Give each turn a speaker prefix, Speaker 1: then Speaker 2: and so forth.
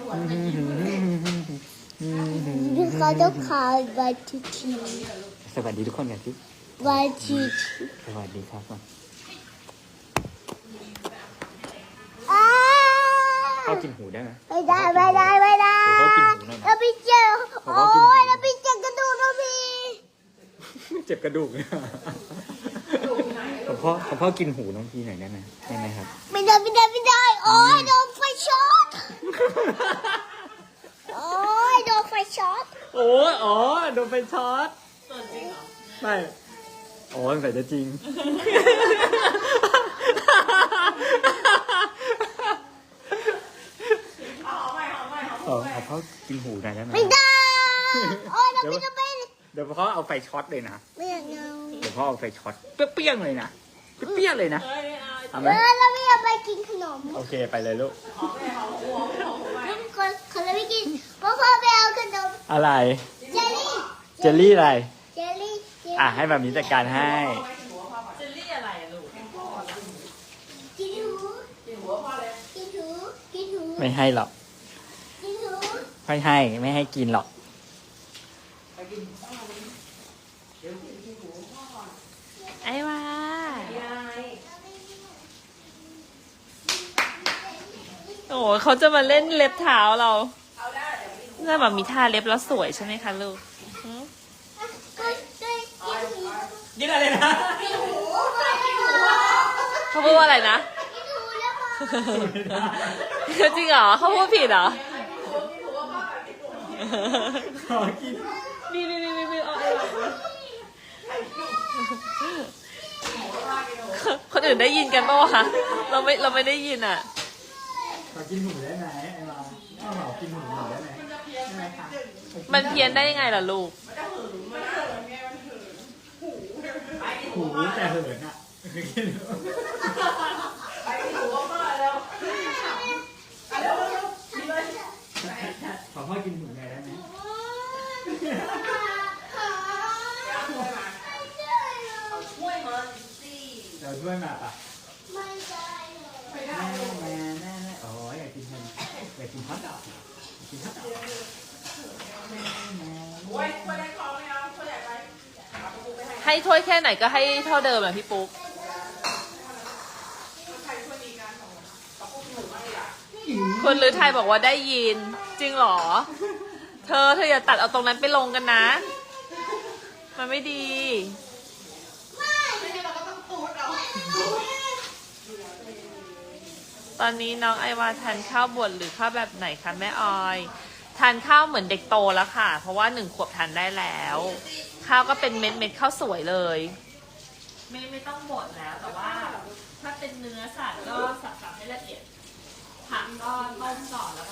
Speaker 1: เขาต้องขายวันทีที
Speaker 2: สวัสดีทุกคนกันสิ
Speaker 1: วันทีที
Speaker 2: สวัสดีครับก่อนพ่อกินหูได้ไหม
Speaker 1: ไม่ได้ไม่ได้ไม่ได้
Speaker 2: พ่อกินหูหน่อย
Speaker 1: เราไปเจอโอ้ยเราไปเจอกระดูกเราพี่
Speaker 2: เจ็บกระดูกเลยของพ่อกินหูน้องพี่หน่อยได้ไหมได้ไหมครับ
Speaker 1: ไม่ได้ไม่ได้ไม่ได้โอ้ยโดนไฟช็อตโอ้ยโดนไฟช็อต
Speaker 2: โอ้ยอ๋อโดนไฟช็อตจริงเหรอไม่โอ้ยใส่จะจริงเอาพ่อกินหูหน่อยได้ไหม
Speaker 1: ไม่ได้โอ้ยเราไม่ได้เป็น
Speaker 2: เดี๋ยวพ่อเอาไฟช็อตเลยนะ
Speaker 1: ไม่อยากเอา
Speaker 2: เดี๋ยวพ่อเอาไฟช็อตเปรี้ยงๆเลยนะเปรี้ยงๆเลยนะเอาไหม
Speaker 1: เราไม่อยากไปกินขนม
Speaker 2: โอเคไปเลยลูก
Speaker 1: คนเราไม่กินเพราะพ่อไปเอาขนม
Speaker 2: อะไร
Speaker 1: เจลลี่
Speaker 2: เจลลี่อะไร
Speaker 1: เจลลี่
Speaker 2: อ่ะให้แบบนี้จัดการให้
Speaker 3: เจลลี่อะไรอะลูก
Speaker 1: กินหูกินหูกินหู
Speaker 2: ไม่ให้หรอก
Speaker 1: กินหู
Speaker 2: ไม่ให้ไม่ให้กินหรอก
Speaker 3: ไอ้ว่าโอ้เขาจะมาเล่นเล็บเท้าเราน่าแบบมีท่าเล็บแล้วสวยใช่ไหมคะลูกหืม
Speaker 2: กินอะไรนะ
Speaker 1: กินหู
Speaker 3: เขาพูดว่าอะไรนะ
Speaker 1: กินหูแล้วพอ
Speaker 3: จริงเหรอเขาพูดผิดเหรอ
Speaker 2: ขอกิน
Speaker 3: นี่เอาไอ้ว่าคนอื่นได้ยินกันปะวะเราไม่ได้ยินอ่ะ
Speaker 2: ขอกินหูได้ไหมไอ้เราขอกินหูหน่อยได้ไหมได้ไหมคะ
Speaker 3: มันเพี้ยนได้ยังไงล่ะลูก
Speaker 2: หูแต่เหินอ่ะขอพ่อกินหูหน่อยได้ไหมเราช่วยมาปะ
Speaker 1: ไม่ได้
Speaker 2: แม่โอ้ยอยากกินมันอยากกินฮอทดอกกินฮอทดอก
Speaker 3: ให้ถ้วยแค่ไหนก็ให้เท่าเดิมอ่ะพี่ปุ๊ก คนหรือไทยบอกว่าได้ยิน จริงเหรอ เธออย่าตัดเอาตรงนั้นไปลงกันนะ มันไม่ดี ตอนนี้น้องไอวาทานข้าวบดหรือข้าวแบบไหนคะแม่ออย ทานข้าวเหมือนเด็กโตแล้วค่ะ เพราะว่า1 ขวบทานได้แล้ว ข้าวก็เป็นเม็ดข้าวสวยเลย ไม่ต้องบดแล้วแต่ว่า ถ้าเป็นเนื้อสัตว์ก็สับให้ละเอียดผักก็ต้มก่อนแล้ว